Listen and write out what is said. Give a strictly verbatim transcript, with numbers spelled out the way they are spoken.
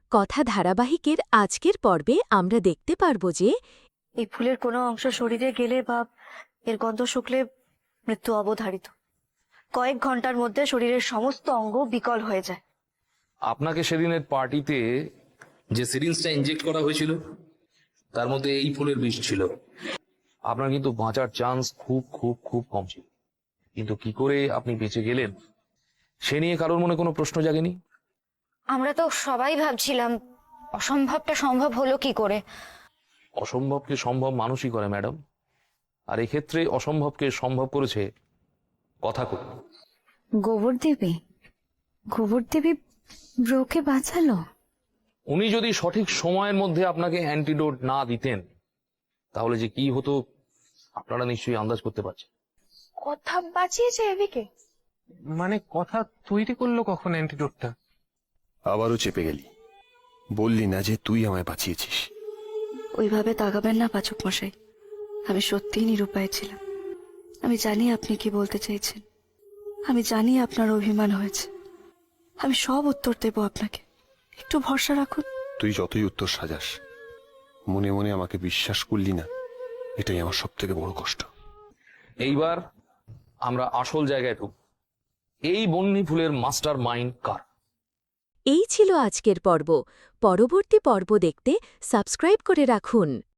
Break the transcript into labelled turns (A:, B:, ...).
A: কথা ধারাবাহিকের আজকের পর্বে আমরা দেখতে পারব যে
B: এই ফুলের কোনো অংশ শরীরে গেলে বা এর গন্ধ শুকলে মৃত্যু অবধারিত। কয়েক ঘন্টার মধ্যে শরীরের সমস্ত অঙ্গ বিকল হয়ে যায়।
C: আপনাকে সেদিনের পার্টিতে যে সিরিঞ্জটা ইনজেক্ট করা হয়েছিল তার মধ্যে এই ফুলের বিষ ছিল। আপনার কিন্তু বাঁচার চান্স খুব খুব খুব কম ছিল, কিন্তু কি করে আপনি বেঁচে গেলেন সে নিয়ে কারোর মনে কোনো প্রশ্ন জাগেনি?
D: আমরা তো সবাই ভাবছিলাম অসম্ভবটা সম্ভব হলো কি করে।
C: অসম্ভবকে সম্ভব মানুষই করে ম্যাডাম, আর এক্ষেত্রে অসম্ভবকে সম্ভব করেছে কথা কই।
E: গোবর দেবী গোবর দেবী ব্রোকে বাঁচালো।
C: উনি যদি সঠিক সময়ের মধ্যে আপনাকে অ্যান্টিডোট না দিতেন তাহলে যে কি হতো আপনারা নিশ্চয়ই আন্দাজ করতে পারছেন।
D: কথা বাঁচিয়েছে এবিকে?
F: মানে কথা তৈরি করলো কখন অ্যান্টিডোটটা?
G: আবারও চেপে গেলি, বললি না যে তুই আমায় বাঁচিয়েছিস।
B: ওইভাবে তাকাবেন না পাচক মশাই, আমি সত্যিই নিরুপায় ছিলাম। আমি জানি আপনি কি বলতে চাইছেন, আমি জানি আপনার অভিমান হয়েছে। আমি সব উত্তর দেব আপনাকে, একটু ভরসা রাখুন।
G: তুই যতই উত্তর সাজাস, মনে মনে আমাকে বিশ্বাস করলি না, এটাই আমার সব থেকে বড় কষ্ট।
C: এইবার আমরা আসল জায়গায় ঢুক। এই বন্যী ফুলের মাস্টার মাইন্ড কার?
A: এই ছিল আজকের পর্ব। পরবর্তী পর্ব দেখতে সাবস্ক্রাইব করে রাখুন।